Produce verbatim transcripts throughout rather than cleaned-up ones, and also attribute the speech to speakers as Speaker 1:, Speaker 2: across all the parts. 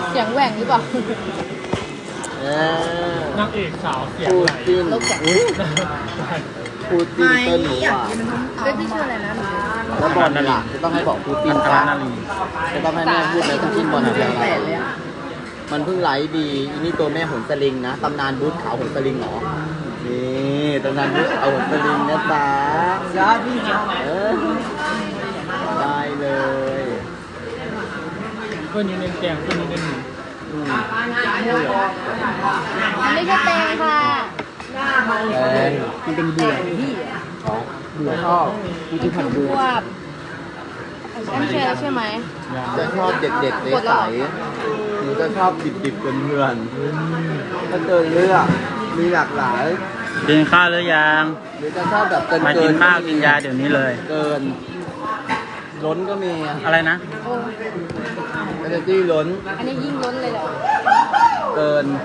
Speaker 1: เสียงแหว่งหรือเปล่า
Speaker 2: นางเอกสาวเสียง
Speaker 3: พู
Speaker 2: ไหล
Speaker 3: จินพูจินเติ้ลหนูอ่ะ
Speaker 1: เฮ้ยพี่ชื่ออะไรนะ
Speaker 3: แล้วบอลนี่ล่ะจะต้องให้บอกพูจินจ้าจะต้องให้แม่พูดเลยพูจินบอลคืออะไรมันเพิ่งไลฟ์ดีอันนี้ตัวแม่หนสลิงนะตำนานบูธขาวหนสลิงเหรอนี่ตำนานบูธขาวหนสลิงนะจ๊ะยอดพี่เออได้เลย
Speaker 2: เพื่อนอยู่ในแกงเพื่อนอยู่ในหนึ่ง
Speaker 1: อันนี้คือแตงค่ะ
Speaker 3: แดงมันเป็นเบื่อเขาเบื่อชอบผู้ที่ผัด
Speaker 1: บ
Speaker 3: เบื่อ
Speaker 1: วบอันนี้ใช่ไหม
Speaker 3: จะชอบเด็กๆใสๆหนูจะชอบดิบๆเพื่อนๆถ้าเกินเลือกมีหลากหลาย
Speaker 4: กินข้าวหรือยัง
Speaker 3: หรือจะชอบแบบเกิน
Speaker 4: มา
Speaker 3: เกิ
Speaker 4: กิน
Speaker 3: น
Speaker 4: ข้าวกินยาเดี๋ยวนี้เลย
Speaker 3: เกินล้นก็มี
Speaker 4: อะไรนะ
Speaker 1: โอ้
Speaker 3: เอเนจี้ล้น
Speaker 1: อันนี้ยิ่งล้นเลยเหรอ
Speaker 3: เกิน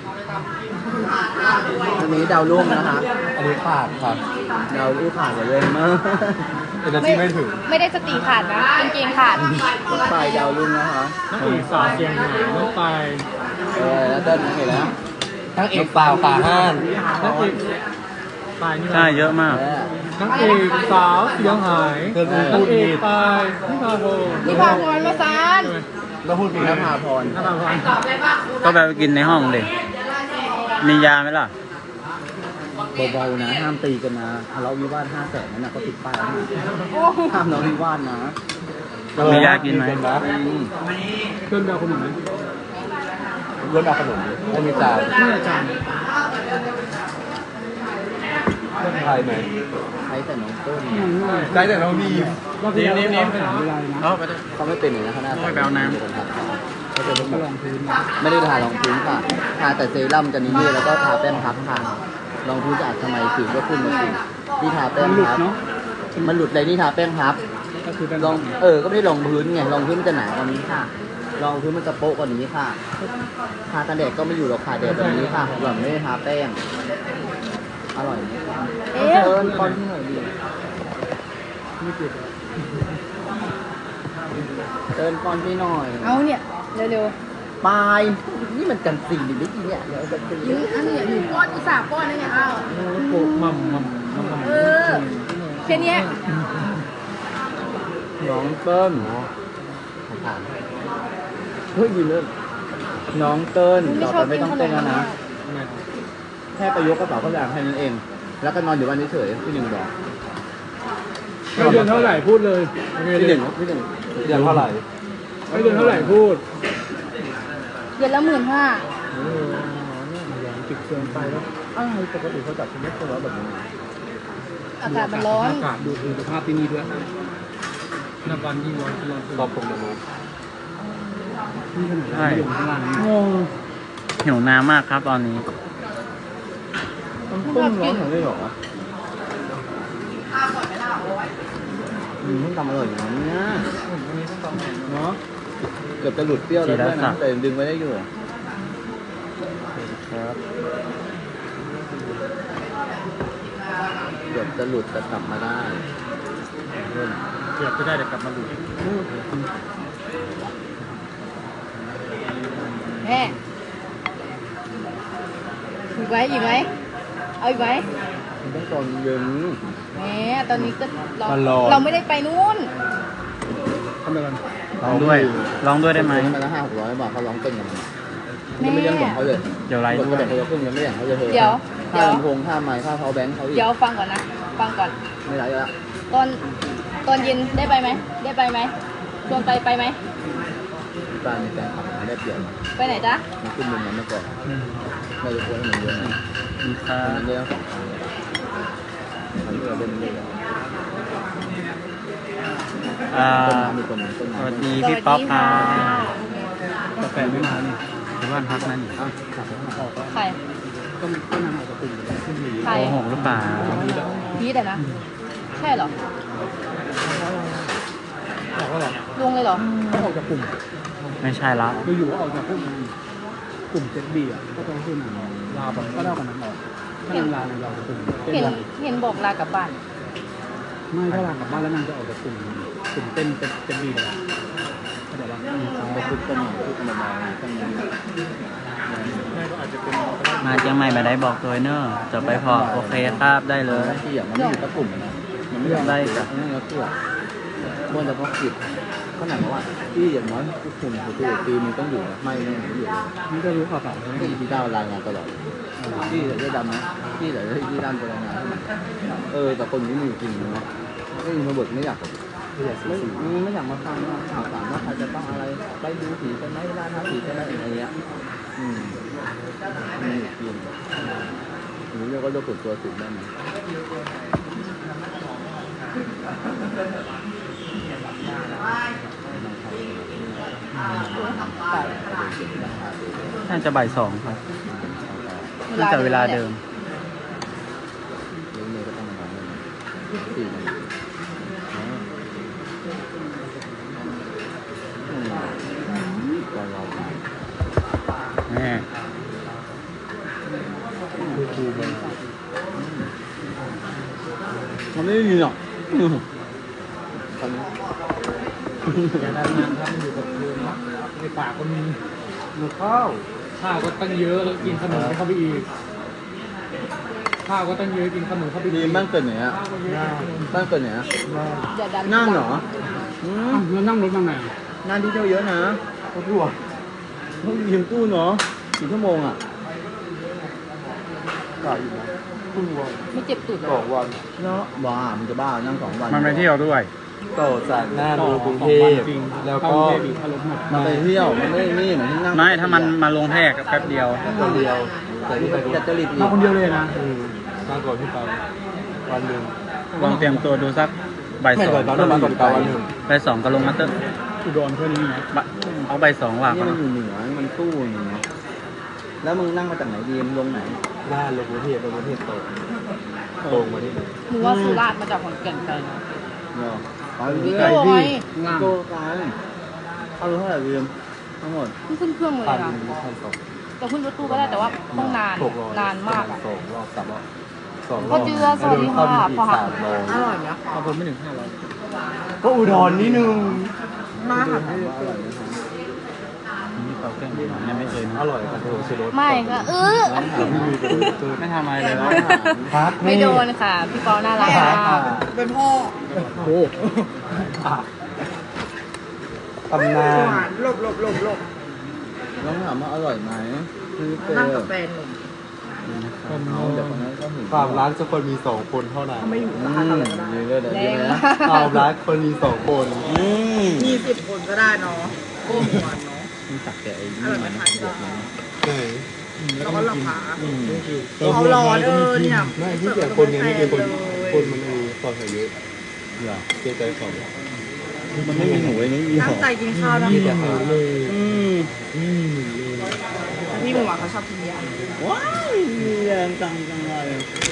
Speaker 3: อันนี้ดาวรุ่งนะคะอันนี้ขาดค่ะดาวรุ่งขาดเลยมากเอเนจี้ไม่ถึง
Speaker 1: ไม่ได้สติขาดนะจริงๆขาด
Speaker 3: รถไฟดาวรุ่งนะคะ
Speaker 2: นางเอกสาวเสียงไหลน้องไป
Speaker 3: เออแล้วเต้นเห็นแล้วทั้งเอกเปล่าตาห้าน
Speaker 2: นางเอกตายนี่
Speaker 4: ใช่เยอะมาก
Speaker 2: นางเอกสาวเสียงหายนางเอกตายพี่พาโบ
Speaker 1: พี่พาพรมาซาน
Speaker 3: แล้วพูดผิดนภาพร
Speaker 2: น้าพาพร
Speaker 4: ก็ไปกินในห้องเลยมียาไหมล่ะ
Speaker 3: เบาๆนะห้ามตีกันนะทะเลาะวิวาทห้าแสนนั่นนะก็ติดป้ายนะ
Speaker 1: โอ้
Speaker 3: ห้ามทะเลาะวิวาทนะ
Speaker 4: มียากินไหม
Speaker 3: อืม
Speaker 2: เพื่อนเบลคนหนึ่งไหม
Speaker 3: เรื่องเอาขนมไม่มีจ่าย
Speaker 2: ไม่อาจารย์
Speaker 3: ไทยไหมไทยแต่น้องต้น
Speaker 2: ใจแต่น้องดีรอบที่แล้วเราไปถามเวลานะ
Speaker 4: เอาไปเลย
Speaker 3: เขาไม่เป็นเลยนะคณะ
Speaker 4: ไม่ไปเอาน้ำ
Speaker 3: เขาจะต้องลองพื้นไม่ได้ทารองพื้นค่ะทาแต่เซรั่มจะนิดๆแล้วก็ทาแป้งพับค่ะรองพื้นจะอาจทำไมสิวก็ขึ้นมาสิที่ทาแป้งพับมันหลุดเลยนี่ทาแป้งพับ
Speaker 2: ก็คือเป็น
Speaker 3: ลองเออก็ไม่ได้รองพื้นไงรองพื้นมันจะหนากว่านี้ค่ะรองพื้นมันจะโป๊ะกว่านี้ค่ะทากันแดดก็ไม่อยู่หรอกค่ะแดดแบบนี้ค่ะแบบไม่ได้ทาแป้งอร่อย
Speaker 1: เอ๊ะ
Speaker 3: เอิญก้อนที่หน่อยดี
Speaker 2: ไม่ติด
Speaker 3: เตินก้อนที่หน่อย
Speaker 1: เอาเนี่ยเร็ว
Speaker 3: ปลายนี่มันกันสี่หรือไม่กี่เนี่ยเดี๋ยวจะตี
Speaker 1: ๆยื้ออันนี้หนูป้อนอุตส่าห์ป้อนนะเนี่ยเอา
Speaker 2: โกมัมมัมมัมมัม
Speaker 1: เออแค่เนี้ย
Speaker 3: น้องเติ้ลของผ่านเฮ้ยยืนเริ่มน้องเติ้ลต่อไปไม่ต้องเต้นแล้วนะ
Speaker 2: ทำไม
Speaker 3: แค่ไปยกกระเป๋าข้าวสารแค่นั้นเอง แล้วก็นอนอยู่บ้านเฉยๆพี่หนึ่งบอก
Speaker 2: ให้เดือนเท่าไหร่พูดเลยโอเค
Speaker 3: พี่ห
Speaker 2: เล
Speaker 3: นึ่
Speaker 2: ย
Speaker 3: งพี่หนึ่งเดือนเท่าไหร่
Speaker 2: ให้เดือนเท่าไหร่พูด
Speaker 1: เดือนละหมื่นห้า
Speaker 2: โอ้เนี่ยติดเกินไปแล้ว
Speaker 3: อ้าวปกติเขาจัดเป็นเม็ดตัวแบบนี้
Speaker 1: อากาศมันร้อน
Speaker 2: อากาศดูคือสภาพที่นี่ด้วยนับวันยิ่งร้อนร้อน
Speaker 3: ตอบตรงเลย
Speaker 2: นี่ขนาด
Speaker 4: ใช่
Speaker 2: อยู่ข้างล่าง
Speaker 3: งง
Speaker 4: หิวน้ำมากครับตอนนี้
Speaker 3: มันต้มร้อนเหรอได้หรออืมทำอร่อยอย่างนี้นะเนาะเกือบจะหลุดเปรี้ยวแล้วด้วยนะแต่ดึงไว้ได้อยู่ครับเกือบจะหลุดแต่กลับมาได้เริ่ม
Speaker 2: เกือบจะได้แต่กลับมาดู
Speaker 1: แม่อีกไหมอีกไหมเอาอีกไหม
Speaker 3: มันต้องตอนเย็น
Speaker 1: แหมตอนนี้ก็เรา
Speaker 3: ตลอด
Speaker 1: เราไม่ได้ไปนู่น
Speaker 2: ทำไมกัน
Speaker 4: ลองด้วย ลองด้วยได้ไหม
Speaker 3: มาละห้าหกร้อยบาทเขาร้องเต้นกันมันยังไม่เลี้ยงของเขาเลย
Speaker 4: เดี๋ยวไลฟ์
Speaker 3: ก
Speaker 4: ด้วย
Speaker 3: ระเด็นเขาจะขึ้นยังไม่เลี้ยงเขาจะเธอ
Speaker 1: เดี๋ยว
Speaker 3: ค่าลำโพงค่าไมค์ค่าเขาแบงค์เขาอีก
Speaker 1: เดี๋ยวฟังก่อนนะ ฟังก่อน
Speaker 3: ไม่ไรละ
Speaker 1: ตอนตอนเย็นได้ไปไหม ได้ไปไหมชวนไปไปไหม
Speaker 3: การในการขับมาได้เปลี่ยน
Speaker 1: ไปไหนจ๊ะ
Speaker 3: มันขึ้นมุมนั้นมาก่อนเราจะควรให้มันเยอะหน่อย
Speaker 4: มีค่ะ
Speaker 3: มันเยอะสองครั้งทำให้เราเป็นเรื่อย
Speaker 4: อ่า
Speaker 3: ๆต้นน้ำมีคนหนึ่งต้น
Speaker 4: ส
Speaker 3: น้ำ
Speaker 4: วัสดีพี่ป๊อปครับ
Speaker 2: กาแฟไม่มานี่
Speaker 4: ที่บ้านพักนั่นนี่
Speaker 3: อ่ะขับไปข้างนอก
Speaker 1: ใคร
Speaker 2: ต้องต้องนำออกจากกลุ่มขึ้นดี
Speaker 1: ใคร
Speaker 4: โกหกหรือเปล่า
Speaker 1: พีทอะนะ ใช่เหรอ
Speaker 2: ออกแล้วหรอ
Speaker 1: ลงเลยเหรอ
Speaker 2: ออกจากกลุ่ม
Speaker 4: ไม่ใช่ละ
Speaker 2: คืออยู่ออกจากพวกกลุ่มเจ็ดบีอ่ะก็ต้องขึ้นลาแบบก็ได้กันนั้นออกถ้าลาเราจะกลุ่ม
Speaker 1: เห็นเห็นบอกลากลับบ้าน
Speaker 2: ไม่ถ้าลากลับบ้านแล้วนางจะออกจากกลุ่มกลุ่มเต้นเจ็ดบีเลยเข้าใจปะ
Speaker 3: ไปคุกกันหน่อยคุกกันเบาๆตั้งนั้น
Speaker 2: แม่ก็อาจจะเป็น
Speaker 4: มาเชียงใหม่มาได้บอกตัวเนอะจะไปพอโอเคครับได้เลย
Speaker 3: ที่อย่างมันไม่อยู่กับกลุ่มนะมันไม่ได้กับนั่นแล้วตัวมันจะเพราะกิจขนาดว่าที่อย่างน้อยทุกคนคือปีนึงต้องอยู่ไม่ไม่อยู่
Speaker 2: นี่ก็รู้ข่าวสารใช่ไหม
Speaker 3: ที่ที่ดาวรายงานตลอดที่แต่ได้ดำนะที่แต่ได้ที่ดำจะรายงานเออแต่คนนี้มีจริงเนาะไม่มีมาบทไม่อยากไม่ไม่อยากมาฟังข่าวสารว่าใครจะต้องอะไรไปดูผีกันไหมล่าท้าผีกันไหมอะไรเงี้ยอืมมีจริงหรือเรียกว่าโรคส่วนตัวสูงได้ไหม
Speaker 4: น่าจะบ่ายสองครับน่าจะเวลาเดิม
Speaker 3: เลี้ยงเมย์ก็ต้องมาทำเลยสี่โมงรอรอ
Speaker 4: แม่
Speaker 2: คือครูมัน
Speaker 3: มันไม่มีหรอกตอนนี้
Speaker 2: อย่าได้งานครับมันอยู่กับครูนะในปากก็มีหนูข้าวข้าวก็ตั้งเยอะแล้วกินขนมเข้าไปอีกข้าวก็ตั้งเยอะกินขนมเข้าไป
Speaker 3: ดี
Speaker 2: อีก
Speaker 3: บ้านเกิดไหนอ่ะบ้านเกิดไหนอ่ะ
Speaker 1: อย่าดัน
Speaker 3: นั่งเหรออืม
Speaker 2: แล้วนั่งรถมาไหน
Speaker 3: งานที่เที่ยวเยอะนะ
Speaker 2: รถทัวร์
Speaker 3: ต้องยืมตู้เนาะกี่ชั่วโมงอ่ะ
Speaker 2: กะอยู่นะครึ่งวัน
Speaker 1: ไม่เจ็บตูดเหร
Speaker 2: ส
Speaker 1: อ
Speaker 2: องวัน
Speaker 3: เนาะบ้ามันจะบ้านั่งสองวัน
Speaker 4: มันไปเที่ยวด้วย
Speaker 5: ต่อจากหน้าโรงกรุงเทพ
Speaker 2: จริง
Speaker 5: แล้วก็
Speaker 2: เข้ากรุงเทพอีกถ้ารถหมด
Speaker 3: มันไปเที่ยวมันไม่นี่เหมือนที่นั่ง
Speaker 4: ไม่ถ้ามันมาลงแพรกแป๊บเดียว
Speaker 5: คนเดียวแต่ที่ไปดู
Speaker 3: จัดจริตอี
Speaker 2: มาก คนเดียวเลยนะ
Speaker 5: อืมมากกว่าที่ไปวันหนึ่ง
Speaker 4: ลองเตรียมตัวดูสักบ่าย
Speaker 5: ไม่
Speaker 4: สอ
Speaker 5: ก่อง นตอนนั้นมากกว่าที่ไปวันหนึ่ง
Speaker 4: บ่ายสองก็ลงมาเตอร์
Speaker 2: อุดรแค่นี้นะ
Speaker 4: บะเอาบ่ายสองว่ะ
Speaker 3: นี่มันอยู่เหนือมันตู้อย่างเงี้ยแล้วมึงนั่งมาจากไหนดีมลงไหน
Speaker 5: หน้าโรงกรุงเทพโรงกรุงเทพตรงตรงมาที่
Speaker 1: หนูว่าสุราษฎร์มาจากขอนแก่นไกลนะ
Speaker 3: เนาะไป
Speaker 1: พี่
Speaker 3: เรื่
Speaker 1: โจ
Speaker 3: อย
Speaker 1: ไง
Speaker 2: ล่าง
Speaker 3: โตกันเอารู้เท่าไหร่ดีมทั้งหมด
Speaker 1: เพิ่งขึ้นเครื่องมาเล
Speaker 5: พั
Speaker 1: ย
Speaker 5: น
Speaker 1: นะ
Speaker 5: พันสอง
Speaker 1: แต่ขึ้นรถตู้ก็ได้แต่ว่าต้องนาน
Speaker 5: หกร้อย
Speaker 1: นานมากอ่ะ
Speaker 5: สองรอบสามรอบสองร
Speaker 1: พ่
Speaker 5: อ
Speaker 1: อบ เจือสวัสดีค่ะ
Speaker 5: แล้วเดิน
Speaker 1: พ่อ
Speaker 5: เข้า
Speaker 1: หัก
Speaker 5: อีกสามร้อย
Speaker 1: อร่อยไหม
Speaker 2: เอาผมไม่ถึงห้าร้อย
Speaker 5: ก็อุดรนิดนึง
Speaker 1: มาค่ะ
Speaker 3: ถามว่าอร่อยไหมครับ
Speaker 4: นี่เป่าเครื่องดื่มยังไม่เคย
Speaker 5: อร่อยครับโอ้โหชิโร่
Speaker 1: ไม่ค่ะเออ
Speaker 4: ไม่ทำอะไรเลยนะ
Speaker 5: พัก
Speaker 1: ไม่โดนค่ะ พี่เปาน่ารักมาก
Speaker 3: เป็นพ่อ
Speaker 2: โอ้
Speaker 5: ตำนาน
Speaker 1: หลบหลบหลบหลบ
Speaker 3: น้องถามว่าอร่อยไหมคือเจอ
Speaker 1: นั่งกับแฟนหนุ่ม
Speaker 3: เอาเดี๋ยวคนนั้นก็ถึง
Speaker 5: ความรักจะคนมีสองคนเท่านั้น
Speaker 1: ไม่อยู่
Speaker 3: อื
Speaker 1: ร้าน
Speaker 3: ม
Speaker 1: อะไรก็ได้
Speaker 3: ดีเลยเดี๋ยว
Speaker 1: แร
Speaker 3: ดี
Speaker 1: ง
Speaker 3: เลย
Speaker 1: มา
Speaker 3: นะ
Speaker 1: ก
Speaker 5: ความรักคนมีสองคน
Speaker 3: อืม
Speaker 1: มีสิบคนก็ได้เนาะโก้หวานเนาะ
Speaker 3: มึงตักแต่ไอ้นี่มันนะบวกมัน
Speaker 5: ไหน
Speaker 1: แล้วก็ราคา
Speaker 3: อืม
Speaker 1: เขาร้อนเออเนี่ย
Speaker 5: ไม่ที่เกี่ยวคนไงไม่เกี่ยวคนคนมันเออต่อใส่เยอะ
Speaker 3: เหรอ
Speaker 5: เกรงใจเขา
Speaker 3: มันไม่มีหมูไอ้นี่มีห
Speaker 1: ตั้
Speaker 3: อง
Speaker 1: ใจกินข้าวนะ
Speaker 5: มีแต่หมูเลย
Speaker 3: อืม
Speaker 5: อืมเลย
Speaker 1: พี่หมูหวานเขาชอบกินย
Speaker 3: ว้ายมีแรงจังจังเลย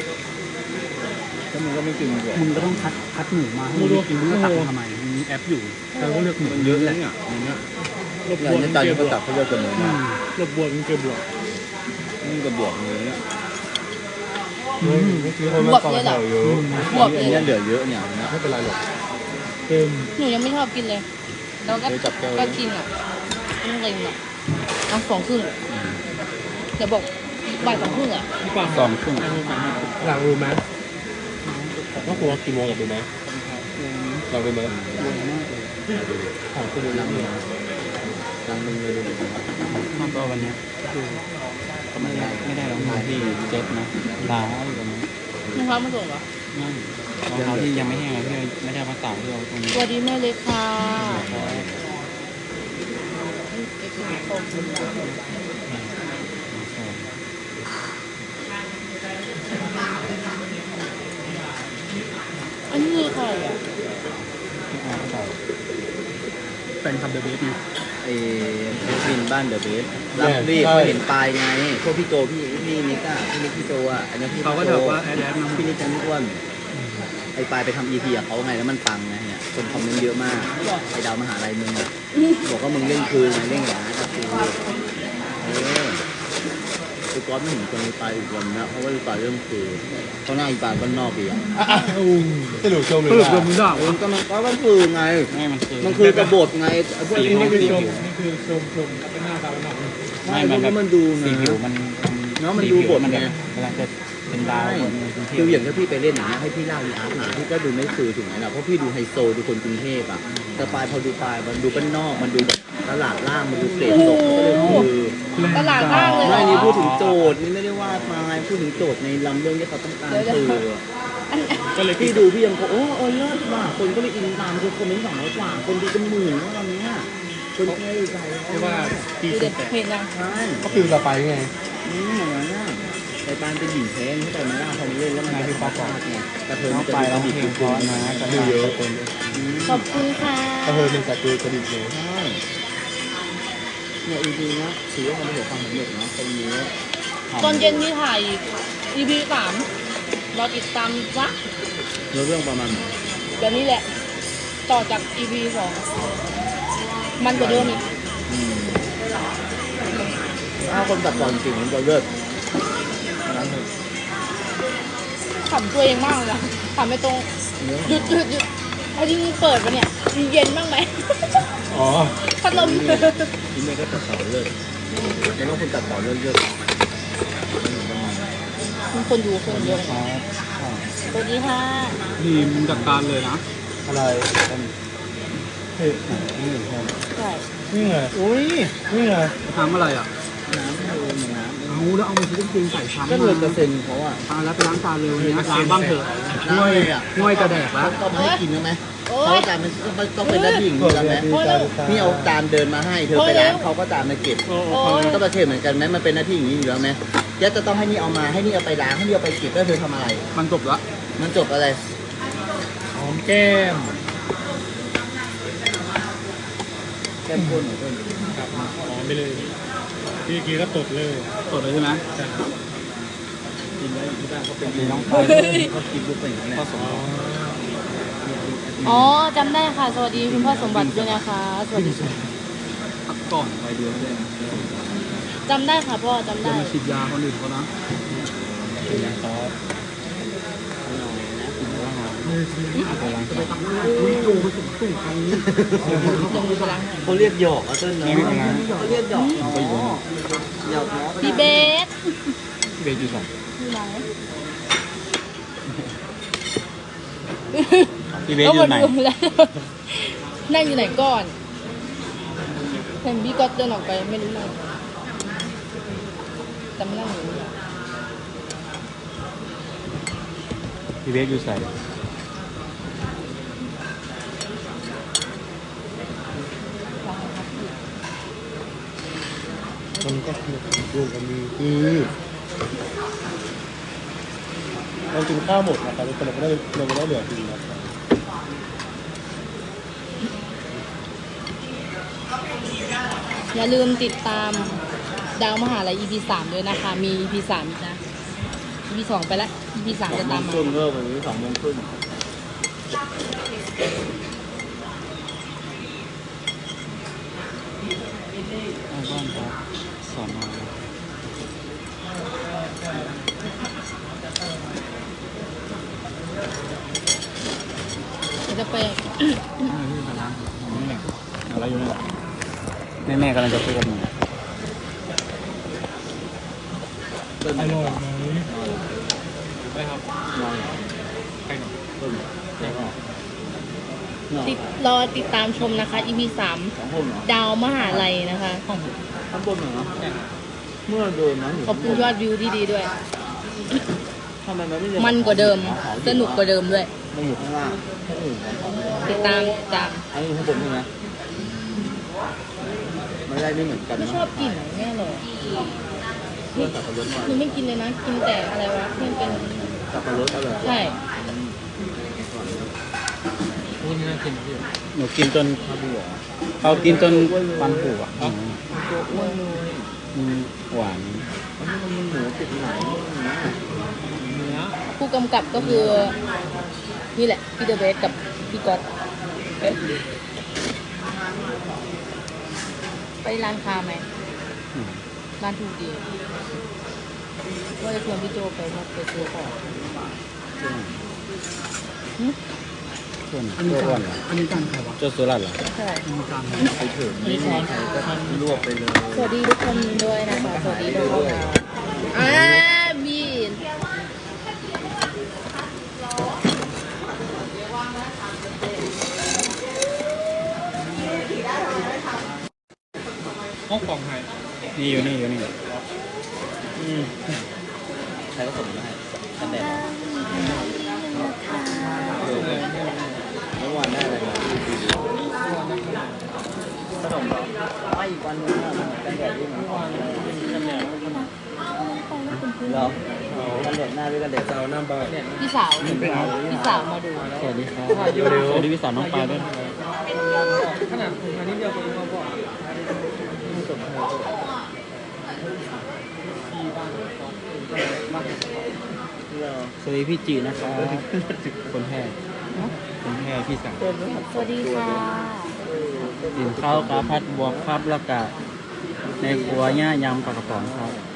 Speaker 3: แล้วมึงก็ไม่กินด้วย
Speaker 2: มึงก็ต้องคัดคัดหมูมาให้มึงได้กินมึงจะตักมาทำไมมึงมีแอปอยู่เราก็เลือกหมู
Speaker 3: มันเยอะเลยเนี่ยอันเนี้ยอย่างนี้จานนี้ก็ตักเขาเยอะเกินหมู
Speaker 2: อื
Speaker 3: มาก
Speaker 2: มลบบวกมึงเกินบวก
Speaker 3: นี่ก็บวกเลยเนี่ย
Speaker 5: ไม่ไม่คือคนมาต่อแถวเยอะ
Speaker 1: ำบวบ
Speaker 3: อัน
Speaker 1: เล
Speaker 3: นี้
Speaker 1: ย
Speaker 3: เหลือเยอะเนี่ยนะ
Speaker 5: ไม่เป็นไรหรอก
Speaker 2: เต็ม
Speaker 1: หนูยังไม่ชอบกินเลยแล้วก็
Speaker 3: เดี๋ยวจับแก้ว
Speaker 1: ก็กินอ่ะต้องเล็งอ่ะเอาสองครึ่งเดี๋ยวบอกบ่ายสองครึ่งอ่ะ
Speaker 2: พี่ปา
Speaker 4: สองครึ่ง
Speaker 5: หลังรู้ไหมว่าครัวกี่โมงกับดูไหมลองดูไหมของคุณดู
Speaker 3: ลัง
Speaker 5: นี่
Speaker 3: นึงนะลังนึงเลยดูดิ
Speaker 4: มากกว่าวันเนี้ยก็ไม่ได้ไม่ได้รองเท้าที่เจ็ตนะล้าอยู่ตรงนี้
Speaker 1: น้องพร้อมมาส่งเหรอ
Speaker 4: นั่นรองเท้าที่ยังไม่แห้งเลยที่ไม่ได้เอามาตากที่เอาตรงนี้
Speaker 1: สวัสดีแม่เล็กค่ะอันนี้คือใครอ่ะ
Speaker 2: แฟนคลับเดอะเบสไง
Speaker 3: ไอ้เบสบินบ้านเดอะเบสรับรีบเขาเห็นปลายไงพวกพี่โจพี่พี่นิกอะพี่นิกพี่โจอะอันนี้พี่
Speaker 2: เขาก็จะแบบว่าแอดแอดมา
Speaker 3: พี่นิกจันทร์อ้วนไอ้ปลายไปทำอีพีกับเขาไงแล้วมันปังไงเนี่ยคนคอมเมนต์เยอะมากไอ้ดาวมหาลัยมึงอะบอกว่ามึงเล่นคืนไงเล่นอย่างนั้นกับกูเออกูโกก๊อตไม่เห็นคนไปอีกวันนะเพราะว่าอีปาเรื่องคือเขาหน้าอีปาบ้านนอกอีกอ่ะ
Speaker 5: สรุปชมเลย
Speaker 2: สรุป
Speaker 5: ว่า
Speaker 2: รวมมึงด่า
Speaker 3: เออก็มันก็มันคือไง
Speaker 4: ไม่มันคือ
Speaker 3: มันคือกระบฏไงไอ้พวก
Speaker 4: สี
Speaker 3: นี้
Speaker 4: ผิว
Speaker 3: ไม่
Speaker 2: นี่
Speaker 3: ได้
Speaker 2: คือ
Speaker 3: ดู
Speaker 2: ชมนี่คือชมชมเป็นหน้าตาเป็นหนัก
Speaker 3: ไม่เพราะมันดูไง
Speaker 4: สีผิวมัน
Speaker 3: เนอะมันดูบทไง
Speaker 4: กำลังจะเป็นดาว
Speaker 3: ใช่
Speaker 4: บนกรุงเทพ
Speaker 3: คืออย่างถ้าพี่ไปเล่นอย่างเงี้ยให้พี่เล่าอีอาร์ตมาพี่ก็ดูไม่สื่อถึงไหนนะเพราะพี่ดูไฮโซดูคนกรุงเทพอ่ะแต่ปลายพอดูปลายมันดูบ้านนอกมันดูแบบตลาดล่างมันดูเศษตกก็เลยคือ
Speaker 1: ตลาดล่างเลยเหร
Speaker 3: ไม่
Speaker 1: อ
Speaker 3: นี่พูดถึงโจทย์นี่ไม่ได้ว่าปลายพูดถึงโจทย์ในลำเรื่องที่เขาต้องการสื่อ
Speaker 2: ก็เลย
Speaker 3: พี่ดูพี่ยังบอกโอ้เออเลิศว่ะคนก็เลยอินตามคือคอมเมนต์สองร้อยกว่าคนดูเป็นหมื่นแล้วตอนเนี้ยคนแค่ใจ
Speaker 2: เรียกว่าปี
Speaker 1: ดู
Speaker 2: สิ
Speaker 1: เด็
Speaker 2: บ
Speaker 1: ด
Speaker 2: แปด
Speaker 1: เห็นยัง
Speaker 3: ใช่
Speaker 5: ก็ฟิลต่อไปไง
Speaker 3: นี่อย่างนั้นน่ะไอ้ปานเป็นหญิงแท้งเข้าใจไหมล่ะพอมันเล่นแล้วมันจะฟาดไงกระเทย
Speaker 4: น้
Speaker 3: มั
Speaker 4: อน ง
Speaker 3: จะ
Speaker 4: ไป
Speaker 3: ดู
Speaker 4: ร้อง
Speaker 3: ดี
Speaker 4: เพล
Speaker 3: คุ
Speaker 4: ง
Speaker 3: ณ
Speaker 4: เพราะนะกระ
Speaker 5: ดู
Speaker 4: ดา
Speaker 5: เยอะ
Speaker 4: ษเป็น
Speaker 1: ขอบคุณค่ะ
Speaker 5: ก็เธอเป็นสตูกระดิ่งเลย
Speaker 3: ใช่เนี่ยจริงๆนะถือว่ามันประสบความสำเร็จเนาะตรงนี้
Speaker 1: ตอนเย็นที่ถ่าย อี พี สามรอติดตามวะ
Speaker 3: เนื้อเรื่องประมาณไหน
Speaker 1: เดี๋ยวนี้แหละ ต่อจาก อี พี สองมันกว่าเดิมอีก
Speaker 3: อืมถ้าคนตัดก่อนจริงมันจะเลิศนั้นเลย
Speaker 1: ขำตัวเองมากเลยนะขำไม่ตรง
Speaker 3: เนื้อ
Speaker 1: หยุดหยุดหยุดเอาจริงๆเปิดปะเนี่ยมีเย็นบ้างไหม
Speaker 5: อ๋อ
Speaker 1: พัดลม
Speaker 3: ที่นี่ก็ตัดต่อเลิศแล้วก็คนตัดต่อเลิศเลิศ
Speaker 1: มีคนดูคนเยอะสวัสดีค่ะ
Speaker 2: ทีมจัดการเลยนะ
Speaker 5: อะไรเฮ้ยนี่ไง
Speaker 1: ใช่
Speaker 5: นี่ไง
Speaker 3: อุ้ย
Speaker 5: นี่ไง
Speaker 2: ทำอะไรอ่ะ
Speaker 3: น้ำเธอน้
Speaker 2: เอาแล้วเอามาชิ้นจริงใส่ซ้ำ
Speaker 3: ำก็เลยกระเซ็นเขาอ่ะ
Speaker 2: ตาแล้วไปล้างจานเร็วนี้ล้างบ้างเถอะ
Speaker 3: น้ำเลยอ่ะ
Speaker 2: ง่วยกระแดกแล้ว
Speaker 3: ต้องมาให้กินแล้วไหม
Speaker 1: โอ๊
Speaker 3: เขา
Speaker 1: ย
Speaker 3: จานมันต้องเป็นหน้าที่อย่างนี้แล้วไหม
Speaker 1: โอ้ยแล้ว
Speaker 3: นี่เอาจานเดินมาให้เธอไปล้างเขาก็จานมาเก็บ
Speaker 2: โอ้
Speaker 1: โอ้ย
Speaker 3: ก็ประเทศเหมือนกันไหมมันเป็นหน้าที่อย่างนี้อยู่แล้วไหมยัดจะต้องให้นี่เอามาให้นี่เอาไปล้างให้นี่เอาไปเก็บแล้วเธอทำอะไร
Speaker 2: มันจบละ
Speaker 3: มันจบอะไร
Speaker 2: หอมแก้ม
Speaker 3: แก้มข้นเหรอเพื่อน
Speaker 2: ครับหอมไปเลยพี่กีก็ตดเลยตดเลยใช่ไหม
Speaker 3: กินไว้ที่บ้านเขาเป็น
Speaker 4: มีน้องไป
Speaker 3: เขากินปุ๊บเป็นอย่างนี้
Speaker 4: ก็สม
Speaker 1: อ๋อจำได้ค่ะ สวัสดีคุณพ่อสมบัติด้วยนะคะ สวัสดี
Speaker 2: พักก่อน
Speaker 3: ไปเดือนเลย
Speaker 1: จำได้ค่ะพ่อจำ
Speaker 2: จะ
Speaker 1: ได้
Speaker 2: มาฉีดยาคนอื่นเขานะ
Speaker 3: เป็นอย่างซอสหน่อยนะกินแล้วหอม
Speaker 2: อุ้ยโยไปส่งตู้ใคร
Speaker 1: ลงมือพลังหน่อย
Speaker 3: เขาเรียกหยอกอ่ะเต้นเนาะเขาเรียกหยอกเนาะหยอกเนาะ
Speaker 1: พี่เบส
Speaker 4: เบย์อยู่สอง
Speaker 1: อยู่ไหน
Speaker 4: พี่เบย์อยู่ไหน
Speaker 1: ก็มาดูแล้วนั่งอยู่ไหนก่อนเห็นพี่ก็เดินออกไปไม่รู้เลยจำนั่งอยู่นี่
Speaker 4: พี่เบย์อยู่ใส่
Speaker 5: มันก็คือรวมกันมีคือเรากินข้าวหมดนะครับแต่เราไม่ได้เราไม่ได้เหลือกินนะครับ
Speaker 1: อย่าลืมติดตามดาวมหาลัย อี พี สามด้วยนะคะ มี อี พี สามอีกนะ อี พี สองไปละ อี พี สาม
Speaker 3: สอ
Speaker 1: จะ
Speaker 3: งโม
Speaker 1: ตาม
Speaker 3: ง
Speaker 1: มา
Speaker 3: ครึ่งเลิกวันนี้สองโมงครึ่ง
Speaker 4: บ้านครับสอนอ
Speaker 1: เดี๋ยวจะไป
Speaker 4: นี่ไปล้างนี่แหละอะไรอยู่นี่แหละแม่แม่กำลังจะพูดกับหนู
Speaker 3: เต้น
Speaker 2: อร่อยไหมได้ครับ
Speaker 3: นอน
Speaker 2: ใครหน่อย
Speaker 3: เต้นแล้วก็นอน
Speaker 1: ติดรอติดตามชมนะคะ อี พี สาม
Speaker 3: สองคนเหรอ
Speaker 1: ดาวมหาลัยนะคะ
Speaker 2: ห้อง
Speaker 3: ข้างบนเหรอเมื่อเดินนะอยู่
Speaker 1: ขอบคุณยอดวิวที่ดีด้วย
Speaker 3: ทำไมมันไม่เดิ
Speaker 1: มันกว่าเดิม สนุกกว่าเดิมด้วย
Speaker 3: มันอยู่ข้างล่างข้างอื่นของ
Speaker 1: ติดตามตาม
Speaker 3: อันนี้ข้างบนใช่ไหมไม่ได้ไม่เหมือนกัน
Speaker 1: ไม่
Speaker 3: นะ
Speaker 1: ชอบกลิ่นแม่หรอก
Speaker 3: เพื่อนสับปะรดหน่อย
Speaker 1: คือไม่กินเลยนะ กินแต่อะไรวะที่มันเป็น
Speaker 3: สับปะรดอร่อย
Speaker 1: ใช่
Speaker 2: พูดน่ากินพี่
Speaker 4: หนูกินจน
Speaker 3: ข้าวบัว
Speaker 4: เขากินจนฟันผุอ่ะ
Speaker 3: ตัวอ้วนเลย
Speaker 4: อืมหวาน
Speaker 3: อันนี้มันมีหมูติดหนังนะ
Speaker 2: เนื้อ
Speaker 1: ผู้กำกับก็คือ นี่แหละ พี่เดอะเบสกับพี่ก๊อตเอ๊ะไปร้านค้าไหม
Speaker 4: อืม
Speaker 1: ร้านถูกดีว่าจะชวนพี่โจไปว่าไปซื้อของหึ
Speaker 4: ส่วน
Speaker 2: อันนี้จานอันนี้จานใครวะ
Speaker 4: เจ้าสุรัตน์เหรอ
Speaker 1: ใช่
Speaker 2: อันนี้จาน
Speaker 3: ไปถึง
Speaker 2: ไม่ช้อน
Speaker 3: รวบไปเลย
Speaker 1: สวัสดีทุกคนด้วยนะคะ สวัสดีทุกคนอ่ามีน
Speaker 2: ห้องของไทย
Speaker 4: นี่อยู่นี่อยู่นี่
Speaker 3: ใครก็ส่งมาให้กันแดดเมื่อวานได้อะไรมาขนมเหรอไม่อีกวันนึงกันแดดด้วยนะเหรอกันแดดหน้าด้วยกันแดด
Speaker 5: เจ้าหน้าบ้าน
Speaker 1: พี่สาวพี่สาวมาดู
Speaker 4: สวัสดีครับสวัสดีพี่สาวน้องปลายด้วย
Speaker 2: ขนาดอันนี้เดียวกันเขาบอก
Speaker 4: สวัสดีพี่จีนะครับคนแพร่คนแพร่พี่สาว
Speaker 1: สวัสดีค่ะ
Speaker 4: กินข้าวกับพัดบวกครับแล้วก็ในครัวเนี่ยยำปลากระป๋องครับ